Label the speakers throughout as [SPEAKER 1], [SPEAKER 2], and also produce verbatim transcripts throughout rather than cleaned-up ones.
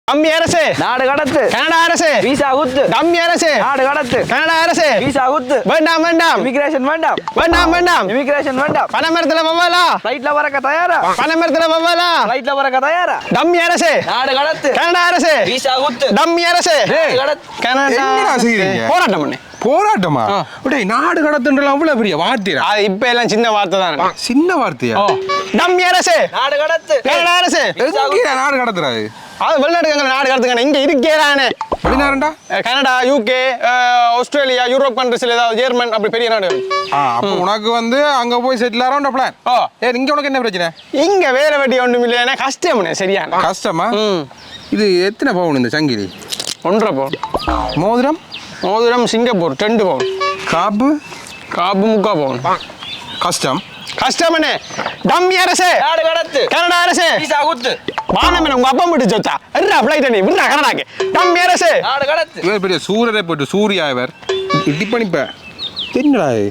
[SPEAKER 1] Dummy அரசு
[SPEAKER 2] நாடு கடத்து
[SPEAKER 1] கனடா அரசு
[SPEAKER 2] விசா குத்து
[SPEAKER 1] டம்மி அரசு
[SPEAKER 2] நாடு கடத்து
[SPEAKER 1] கனடா அரசு
[SPEAKER 2] விசா குத்து
[SPEAKER 1] வேண்டாம் வேண்டாம்
[SPEAKER 2] இமிகிரேஷன் வேண்டாம்
[SPEAKER 1] வேண்டாம் வேண்டாம்
[SPEAKER 2] இமிகிரேஷன் வேண்டாம்
[SPEAKER 1] பணமரத்துல வவ்வாலா
[SPEAKER 2] ஃளைட்ல வரக்க தயாரா
[SPEAKER 1] பணமரத்துல வவ்வாலா
[SPEAKER 2] ஃளைட்ல வரக்க தயாரா
[SPEAKER 1] டம்மி அரசு
[SPEAKER 2] நாடு கடத்து
[SPEAKER 1] கனடா அரசு
[SPEAKER 2] விசா குத்து
[SPEAKER 1] டம்மி அரசு
[SPEAKER 2] நாடு கடத்து
[SPEAKER 1] கனடா
[SPEAKER 3] என்னடா செய்றீங்க?
[SPEAKER 1] போராட்டம் பண்ணு
[SPEAKER 3] போராட்டமா டேய் நாடு கடத்துன்ற அவ்வளவு பெரிய வார்த்தையா?
[SPEAKER 1] அது இப்ப எல்லாம் சின்ன வார்த்தை தான்
[SPEAKER 3] சின்ன வார்த்தையா?
[SPEAKER 1] டம்மி அரசு
[SPEAKER 2] நாடு கடத்து
[SPEAKER 1] கனடா அரசு
[SPEAKER 3] எங்க நாடு கடத்துறாரு?
[SPEAKER 1] அது வெளிநாட்டுக்கு நாடு கடத்துக்கான இங்க இருக்கேதானே
[SPEAKER 3] வெளிநாடுடா?
[SPEAKER 1] கனடா யூகே ஆஸ்திரேலியா யூரோப் கண்ட்ரிஸ்ல ஏதாவது ஜெர்மன் அப்படி பெரிய நாடு
[SPEAKER 3] ஆ அப்ப உனக்கு வந்து அங்க போய் செட்டில் ஆறோம்ன்ற பிளான்.
[SPEAKER 1] ஓ
[SPEAKER 3] ஏ இங்க உனக்கு என்ன பிரச்சனை?
[SPEAKER 1] இங்க வேற வெட்டி ஒண்ணும் இல்லைன்னா கஷ்டம்னே சரியான
[SPEAKER 3] கஷ்டமா?
[SPEAKER 1] ம்
[SPEAKER 3] இது எத்தனை பவுன் இந்த சங்கிலி?
[SPEAKER 1] ஒன்றரை பவுன்
[SPEAKER 3] மோதிரம்?
[SPEAKER 1] மோதிரம் சிங்கப்பூர் ரெண்டு பவுன்
[SPEAKER 3] காப்பு?
[SPEAKER 1] காப்பு முக்கா பவுன்
[SPEAKER 3] கஷ்டம்.
[SPEAKER 1] கஷ்டம்னே டம்மி அரசு
[SPEAKER 2] நாடு கடத்து
[SPEAKER 1] கனடா அரசு
[SPEAKER 2] விசா குத்து
[SPEAKER 1] வானமே உங்க அப்பா மட்டும் சொத்தா எர்ரா ஃப்ளைட் நீ விடுறா கனடாக்கு டம்மி அரசு
[SPEAKER 2] நாடு கடத்து
[SPEAKER 3] இவர் பெரிய சூரியரை போட்டு சூர்யா இவர் இட்டி பண்ணிப்ப என்னடா இது?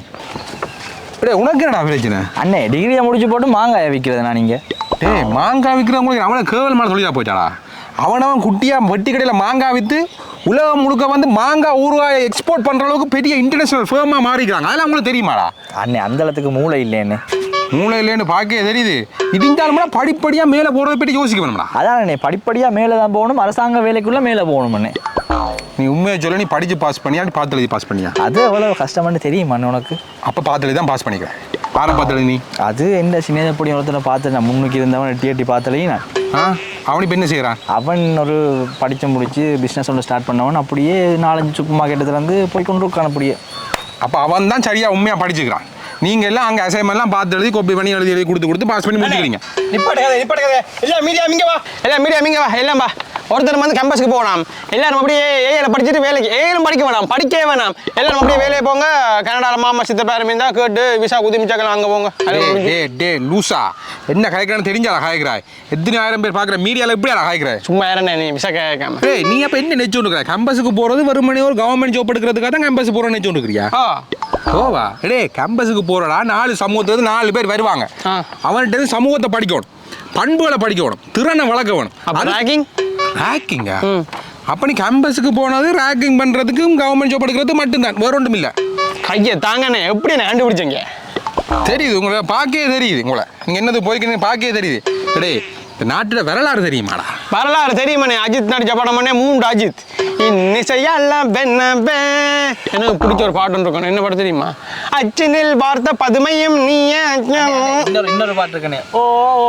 [SPEAKER 3] டேய் உனக்கு என்னடா பிரச்சனை?
[SPEAKER 2] அண்ணே டிகிரியை முடிச்சு போட்டு மாங்காய் விற்கிறது நான் இங்கே
[SPEAKER 3] டேய் மாங்காய் விற்கிறவங்களுக்கு அவனை கேவல் மாதிரி சொல்லியா போயிட்டாளா? அவனவன் குட்டியா வெட்டி கடையில் மாங்காய் விற்று உலகம் முழுக்க வந்து மாங்காய் ஊறுகாயை எக்ஸ்போர்ட் பண்ணுற அளவுக்கு பெரிய இன்டர்நேஷனல் ஃபேமாக மாறிக்கிறாங்க. அதெல்லாம் உங்களுக்கு தெரியுமாடா?
[SPEAKER 2] அண்ணே அந்த அளத்துக்கு மூளை இல்லைன்னு
[SPEAKER 3] மூளை இல்லைன்னு பார்க்க தெரியுது. இடிஞ்சாலும்னா படிப்படியாக மேலே போகிறத பற்றி யோசிக்க வேணும்டா.
[SPEAKER 2] அதான் அண்ணே படிப்படியாக மேலே தான் போகணும், அரசாங்க வேலைக்குள்ளே மேலே போகணும் அண்ணே.
[SPEAKER 3] நீ உண்மையை சொல்ல நீ படித்து பாஸ் பண்ணியா நீ பார்த்து எழுதி பாஸ் பண்ணியா?
[SPEAKER 2] அது எவ்வளோ கஷ்டம்னு தெரியுமா அண்ணே உனக்கு?
[SPEAKER 3] அப்போ பார்த்து எழுதி தான் பாஸ் பண்ணிக்கிறேன். ஆரை பார்த்து எழுதி நீ?
[SPEAKER 2] அது என்ன சின்னப்படி ஒருத்தனை பார்த்து நான் முன்னுக்கு இருந்தவன் எட்டி எட்டி பார்த்தலையும் நான்
[SPEAKER 3] ஆ அவனி இப்போ என்ன செய்கிறான்?
[SPEAKER 2] அவன் ஒரு படித்து முடித்து பிஸ்னஸ் ஒன்று ஸ்டார்ட் பண்ணவன் அப்படியே நாலஞ்சு சூப்பர் மார்க்கெட்டுலேருந்து போய் கொண்டு இருக்கான் அப்படியே.
[SPEAKER 3] அப்போ அவன் தான் சரியாக உண்மையாக படிச்சுக்கிறான். நீங்கள் எல்லாம் அங்கே அசைன்மெண்ட்லாம் பார்த்து எழுதி காப்பி பண்ணி எழுதி எழுதி கொடுத்து கொடுத்து பாஸ் பண்ணி முடிச்சுக்கிறீங்க.
[SPEAKER 1] நிப்பாட்டுக்காத நிப்பாட்டுக்காத எல்லாம் மீடியா மிங்க வா எல்லாம் மீடியா மிங்க வா எல்லாம் வா ஒருத்தர் வந்து கேம்பஸ்க்கு போகலாம் எல்லாரும் அப்படியே ஏஐல படிச்சுட்டு வேலைக்கு ஏழும் படிக்க வேணாம் படிக்கவே வேணாம் எல்லாரும் அப்படியே வேலையை போங்க. கனடாவில் மாமா சித்த பேரும் இருந்தால் கேட்டு விசா குதி மிச்சாக்கலாம் அங்கே போங்க.
[SPEAKER 3] டே டே லூசா என்ன காய்க்கிறான்னு தெரிஞ்சால காய்க்கிறாய்? எத்தனை ஆயிரம் பேர் பார்க்குற மீடியாவில் எப்படி காய்க்கிறாய்?
[SPEAKER 1] சும்மா யாரண்ணே நீ விசா கேட்காம
[SPEAKER 3] டேய் நீ அப்போ என்ன நெச்சு இருக்கிற? கேம்பஸுக்கு போகிறது வெறுமனே ஒரு கவர்மெண்ட் ஜாப் எடுக்கிறதுக்காக தான் கேம்பஸ் போகிறோன்னு நெச்சு இருக்கிறியா?
[SPEAKER 1] ஆ
[SPEAKER 3] ஓவா டே கேம்பஸுக்கு போகிறடா நாலு சமூகத்துலேருந்து நாலு பேர் வருவாங்க. அவன்கிட்ட சமூகத்தை படிக்கணும், பண்புகளை படிக்கணும், திறனை வளர்க்கணும்.
[SPEAKER 1] அது ரேக்கிங்
[SPEAKER 3] ரேக்கிங்கா? அப்போ நீ கேம்பஸுக்கு போனது ரேக்கிங் பண்ணுறதுக்கும் கவர்மெண்ட் ஜாப் எடுக்கிறது மட்டும்தான், வேற ஒன்றும் இல்லை.
[SPEAKER 1] கையை தாங்கண்ணே எப்படி என்ன கண்டுபிடிச்சீங்க?
[SPEAKER 3] தெரியுது உங்களை பார்க்கவே தெரியுது. உங்களை நீங்கள் என்னது போய்க்கிறீங்க பார்க்கவே தெரியுது. டேய் இந்த நாட்டோட வரலாறு தெரியுமாடா?
[SPEAKER 1] வரலாறு தெரியுமாண்ணே? அஜித் நடிச்ச படம் பண்ணே மூன்று அஜித் இன்னிசையெல்லாம் பெண்ண எனக்கு பிடிச்ச ஒரு பாட்டு இருக்கணும். என்ன பாட்டு தெரியுமா? அச்சினில் பார்த்த பதுமையும் நீயே
[SPEAKER 2] இன்னொரு இன்னொரு பாட்டு இருக்கனே ஓ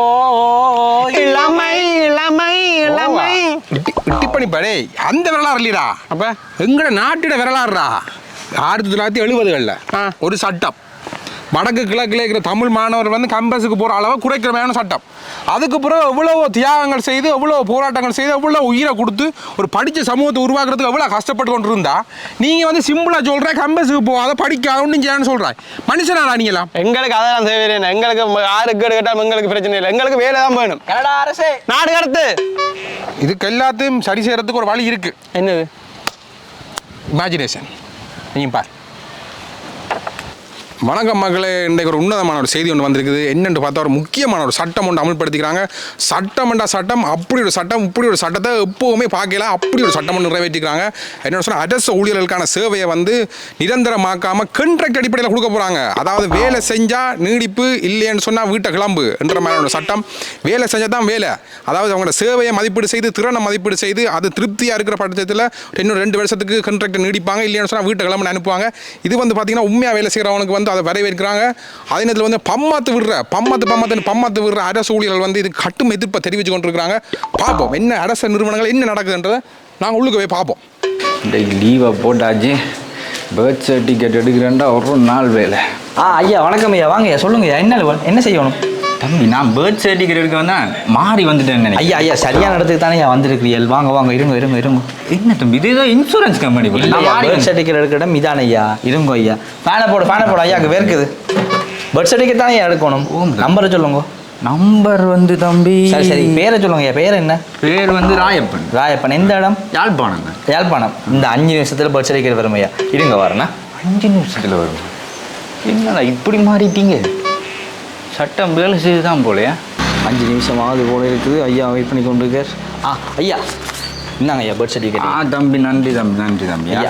[SPEAKER 1] இளமை இளமை இளமை
[SPEAKER 3] இட்டி பண்ணிப்பா. டேய் அந்த வரலாறு இல்லைடா,
[SPEAKER 1] அப்ப
[SPEAKER 3] எங்கட நாட்டோட வரலாறுடா. ஆயிரத்தி தொள்ளாயிரத்தி எழுபதுகளில் ஒரு சட்டம் வடக்கு கிழக்கில் இருக்கிற தமிழ் மாணவர் வந்து கேம்பஸுக்கு போகிற அளவை குறைக்கிறமையான சட்டம். அதுக்கு பிறகு எவ்வளோ தியாகங்கள் செய்து எவ்வளோ போராட்டங்கள் செய்து எவ்வளோ உயிரை கொடுத்து ஒரு படித்த சமூகத்தை உருவாக்குறதுக்கு எவ்வளோ கஷ்டப்பட்டு கொண்டு இருந்தா நீங்கள் வந்து சிம்பிளாக சொல்கிற கேம்பஸுக்கு போகாத படிக்காத ஒன்றும் செய்யணும்னு சொல்கிறேன். மனுஷனாடா நீங்களாம்?
[SPEAKER 1] எங்களுக்கு அதெல்லாம் தேவையில்லை. எங்களுக்கு யாருக்கு கேட்டாலும் எங்களுக்கு பிரச்சனை இல்லை. எங்களுக்கு வேலை தான் வேணும்.
[SPEAKER 2] கனடா அரசே
[SPEAKER 1] நாடு கடத்து.
[SPEAKER 3] இதுக்கு எல்லாத்தையும் சரி செய்கிறதுக்கு ஒரு வழி இருக்குது.
[SPEAKER 1] என்னது?
[SPEAKER 3] இமேஜினேஷன். நீங்கள் பார். வணக்கம் மகளே, இன்றைக்கு ஒரு உன்னதமான ஒரு செய்தி ஒன்று வந்திருக்குது. என்னென்று பார்த்தா ஒரு முக்கியமான ஒரு சட்டம் ஒன்று அமல்படுத்திக்கிறாங்க. சட்டம்ண்டா சட்டம், அப்படி ஒரு சட்டம் இப்படி ஒரு சட்டத்தை எப்போவுமே பார்க்கல. அப்படி ஒரு சட்டம் ஒன்று நிறைவேற்றிக்கிறாங்க. என்ன சொன்னால் அரசு ஊழியர்களுக்கான சேவையை வந்து நிரந்தரமாக்காமல் கண்ட்ராக்ட் அடிப்படையில் கொடுக்க போகிறாங்க. அதாவது வேலை செஞ்சால் நீடிப்பு, இல்லைன்னு சொன்னால் வீட்டை கிளம்பு என்ற மாதிரியான சட்டம். வேலை செஞ்சால் தான் வேலை. அதாவது அவங்களோட சேவையை மதிப்பீடு செய்து திறனை மதிப்பீடு செய்து அது திருப்தியாக இருக்கிற பட்சத்தில் இன்னும் ரெண்டு வருஷத்துக்கு கண்ட்ராக்ட் நீடிப்பாங்க. இல்லைன்னு சொன்னால் வீட்டை கிளம்புன்னு அனுப்புவாங்க. இது வந்து பார்த்திங்கன்னா உண்மையாக வேலை செய்கிறவனுக்கு வந்து அதை வரவேற்கிறாங்க. அதே நேரத்தில் வந்து பம்மாத்து விடுற பம்மாத்து பம்மாத்து பம்மாத்து விடுற அரசு ஊழியர்கள் வந்து இது கட்டும் எதிர்ப்பை தெரிவித்து கொண்டிருக்கிறாங்க. பார்ப்போம் என்ன அரசு நிறுவனங்கள் என்ன நடக்குதுன்றதை நாங்கள் உள்ளுக்கு போய் பார்ப்போம்.
[SPEAKER 4] இந்த லீவை போட்டாச்சு, பேர்த் சர்டிஃபிகேட் எடுக்கிறேன்டா ஒரு நாள் வேலை.
[SPEAKER 2] ஆ ஐயா வணக்கம் ஐயா, வாங்க ஐயா சொல்லுங்க ஐயா, என்ன என்ன செய்யணும்?
[SPEAKER 4] தம்பி நான் பேர்த் சர்டிஃபிகேட் எடுக்க வந்தேன், மாறி வந்துட்டேன்.
[SPEAKER 2] ஐயா ஐயா சரியான இடத்துக்கு தானே ஐயா வந்திருக்கிறீர்கள். வாங்க வாங்க இருங்க இருங்க இருங்க.
[SPEAKER 4] என்ன தம்பி இது ஏதோ இன்சூரன்ஸ் கம்பெனி?
[SPEAKER 2] பேர்த் சர்டிஃபிகேட் எடுக்கிற இடம் இதான ஐயா. இருங்க ஐயா, ஃபேனை போடு ஃபேனை போடு ஐயாக்கு வேர்க்குது. பேர்த் சர்டிஃபிகேட் தானே ஐயா எடுக்கணும். நம்பரை சொல்லுங்க.
[SPEAKER 4] நம்பர் வந்து தம்பி
[SPEAKER 2] சரி சரி பேரை சொல்லுங்க ஐயா. பேர் என்ன?
[SPEAKER 4] பேர் வந்து ராயப்பன்.
[SPEAKER 2] ராயப்பன். எந்த இடம்?
[SPEAKER 4] யாழ்ப்பாணம்.
[SPEAKER 2] யாழ்ப்பாணம். இந்த அஞ்சு நிமிஷத்தில் பேர்த் சர்டிஃபிகேட் வரும் ஐயா. இருங்க வரேண்ணா.
[SPEAKER 4] அஞ்சு நிமிஷத்தில் வரும்? என்னடா இப்படி மாறிட்டீங்க? சட்டம் வேலை செய்து தான் போலையா?
[SPEAKER 2] அஞ்சு நிமிஷமாவது போல இருக்குது. ஐயா வெயிட் பண்ணி கொண்டு இருக்கார். ஆ ஐயா என்னங்க ஐயா பர்த்
[SPEAKER 4] ஆ
[SPEAKER 2] சர்டிஃபிகேட்
[SPEAKER 4] தம்பி நன்றி தம்பி நன்றி தம்பி
[SPEAKER 2] ஐயா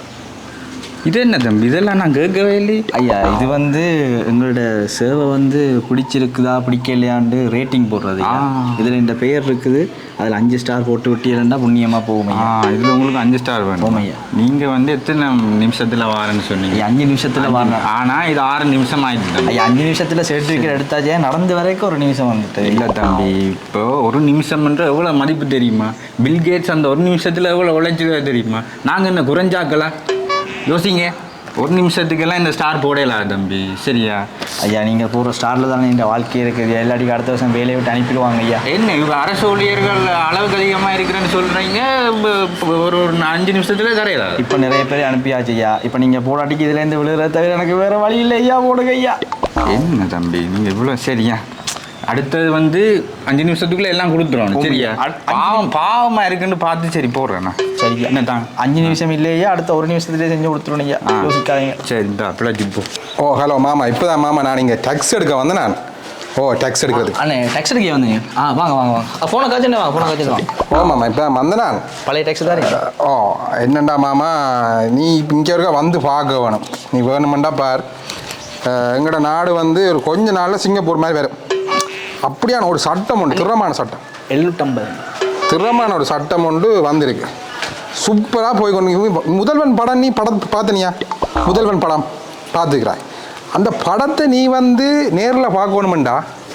[SPEAKER 4] இது என்ன தம்பி இதெல்லாம் நான் கேட்கவே இல்லையே.
[SPEAKER 2] ஐயா இது வந்து எங்களோட சேவை வந்து பிடிச்சிருக்குதா பிடிக்கலையாண்டு ரேட்டிங் போடுறது ஐயா.
[SPEAKER 4] ஆ.
[SPEAKER 2] இதுல இந்த பெயர் இருக்குது அதில் அஞ்சு ஸ்டார் போட்டு விட்டியிருந்தா புண்ணியமா போகும்
[SPEAKER 4] ஆ
[SPEAKER 2] ஐயா.
[SPEAKER 4] இதில் உங்களுக்கு அஞ்சு ஸ்டார் வேணும்.
[SPEAKER 2] ஆமாய்யா.
[SPEAKER 4] நீங்கள் வந்து எத்தனை நிமிஷத்தில் வாரேன்னு சொன்னீங்க?
[SPEAKER 2] ஐயா அஞ்சு நிமிஷத்துல வரணும்.
[SPEAKER 4] ஆனால் இது ஆறு நிமிஷம் ஆயிடுச்சு தம்பி.
[SPEAKER 2] ஐயா அஞ்சு நிமிஷத்துல சர்டிஃபிகேட் எடுத்தாச்சே நடந்து வரைக்கும் ஒரு நிமிஷம் வந்துட்டு
[SPEAKER 4] இல்லை தம்பி, இப்போ ஒரு நிமிஷம்ன்ற எவ்வளோ மதிப்பு தெரியுமா? பில்கேட்ஸ் அந்த ஒரு நிமிஷத்தில் எவ்வளோ உழைச்சிருக்க தெரியுமா? நாங்கள் என்ன குறைஞ்சாக்கலாம்? யோசிங்க, ஒரு நிமிஷத்துக்கெல்லாம் இந்த ஸ்டார் போடலாம் தம்பி, சரியா?
[SPEAKER 2] ஐயா நீங்க போகிற ஸ்டார்ல தானே இந்த வாழ்க்கை இருக்குது. எல்லாடிக்கும் அடுத்த வருஷம் வேலையை விட்டு அனுப்பிடுவாங்க ஐயா.
[SPEAKER 4] என்ன இவங்க அரசு ஊழியர்கள் அளவுக்கு அதிகமாக இருக்கிறேன்னு சொல்கிறீங்க, ஒரு ஒரு அஞ்சு நிமிஷத்துல தரையலாம்.
[SPEAKER 2] இப்போ நிறைய பேர் அனுப்பியாச்சு ஐயா. இப்போ நீங்க போடாட்டிக்கு இதுலேருந்து விழுகிறத தவிர எனக்கு வேற வழி இல்லை ஐயா. போடுங்க ஐயா.
[SPEAKER 4] என்ன தம்பி நீங்கள் இவ்வளோ சரியா? அடுத்தது வந்து அஞ்சு நிமிஷத்துக்குள்ள எல்லாம் கொடுத்துருவோம், சரியா?
[SPEAKER 2] அ- அஞ்சு
[SPEAKER 4] பாவம் பாவமாக இருக்குன்னு பார்த்து சரி போடுறேண்ணா.
[SPEAKER 2] சரியா
[SPEAKER 4] என்ன தான்
[SPEAKER 2] அஞ்சு நிமிஷம் இல்லையா, அடுத்த ஒரு நிமிஷத்துலேயே செஞ்சு கொடுத்துருவோம் ஐயா.
[SPEAKER 4] ஆ.
[SPEAKER 2] யோசிக்காதீங்க.
[SPEAKER 4] சரி இந்த அப்படிலாம் ஜிப்போ.
[SPEAKER 3] ஓ ஹலோ மாமா இப்போ தான் மாமா நான் இங்கே டேக்ஸ் எடுக்க வந்தேன் நான். ஓ டேக்ஸ் எடுக்கிறது.
[SPEAKER 2] அண்ணே டேக்ஸ் எடுக்க வந்தீங்க? ஆ வாங்க வாங்க வாங்க. ஃபோனை காய்ச்சல் வாங்க, ஃபோனை காய்ச்சல் வாங்க.
[SPEAKER 3] ஓ மாமா இப்போ தான் வந்தேன் நான்.
[SPEAKER 2] பழைய டேக்ஸ் தான் இருக்கு.
[SPEAKER 3] ஓ என்னண்டா மாமா, நீ இங்கே இருக்க வந்து பார்க்க வேணும். நீ வேணுமெண்டா பார். அஹ், எங்களோட நாடு வந்து ஒரு கொஞ்ச நாளில் சிங்கப்பூர் மாதிரி வரும். அப்படியான ஒரு சட்டம் உண்டு, திறமான சட்டம்.
[SPEAKER 2] எழுநூற்றம்பது.
[SPEAKER 3] திறமான ஒரு சட்டம் உண்டு வந்திருக்கு. சூப்பராக போய் கொண்டு முதல்வன் படம் நீ படம் பார்த்தனியா? முதல்வன் படம் பார்த்துக்கிறாய். அந்த படத்தை நீ வந்து நேரில் பார்க்கணுமெண்டா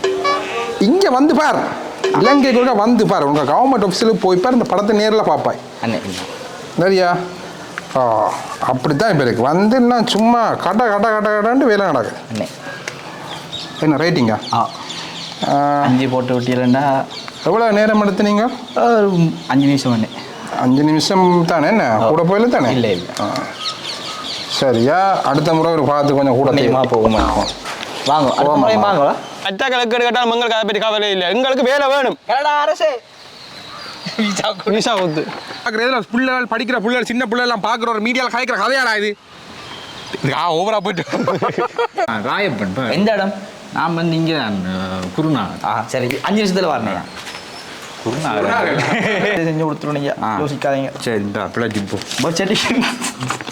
[SPEAKER 3] இங்கே வந்து பார். இலங்கைக்கு கூட வந்து பார். உங்கள் கவர்மெண்ட் ஆஃபீஸில் போய் பார், இந்த படத்தை நேரில் பார்ப்பாய்.
[SPEAKER 2] அண்ணே
[SPEAKER 3] சரியா? ஓ அப்படித்தான் இப்போ இருக்கு. வந்து நான் சும்மா கட கட கட கடன்ட்டு வேலை நடக்குது.
[SPEAKER 2] அண்ணே
[SPEAKER 3] என்ன ரேட்டிங்கா?
[SPEAKER 2] ஆ அஞ்சு போட்டு விட்டீங்கன்னா
[SPEAKER 3] எவ்வளோ நேரம் எடுத்து நீங்கள்?
[SPEAKER 2] அஞ்சு நிமிஷம் அண்ணே.
[SPEAKER 3] அஞ்சு நிமிஷம் தானே? என்ன கூட போயில தானே?
[SPEAKER 2] இல்லை இல்லை
[SPEAKER 3] ஆ. சரியா? அடுத்த முறை ஒரு பார்த்து கொஞ்சம் கூட
[SPEAKER 2] புண்ணியமா போகுமா? வாங்க அடுத்த
[SPEAKER 3] போமா,
[SPEAKER 2] முறை
[SPEAKER 3] வாமா.
[SPEAKER 2] வாங்க.
[SPEAKER 1] அச்சா கலக்கு கேட்டாலும் எங்களுக்கு அதை பற்றி கவலை இல்லை. எங்களுக்கு வேலை வேணும்.
[SPEAKER 2] கனடா அரசே
[SPEAKER 1] விசா ஒத்து
[SPEAKER 3] பார்க்குறதுல பிள்ளைகள் படிக்கிற பிள்ளைகள் சின்ன பிள்ளைலாம் பார்க்குற ஒரு மீடியாவில் கலைக்கிற கதையாடா இது. இது ஆ ஓவரா போயிட்டு
[SPEAKER 4] ராயப்பன் பா.
[SPEAKER 2] எந்த இடம்?
[SPEAKER 4] நான் வந்து இங்கே தான் குருநா.
[SPEAKER 2] ஆ சரி அஞ்சு நிமிஷத்துல வரணும்.
[SPEAKER 4] குருநா
[SPEAKER 2] செஞ்சு கொடுத்துருவோம் ஐயா.
[SPEAKER 4] ஆ.
[SPEAKER 2] யோசிக்காதீங்க.
[SPEAKER 4] சரி இந்த அப்படிலாம் ஜிப்போ.
[SPEAKER 2] Birth certificate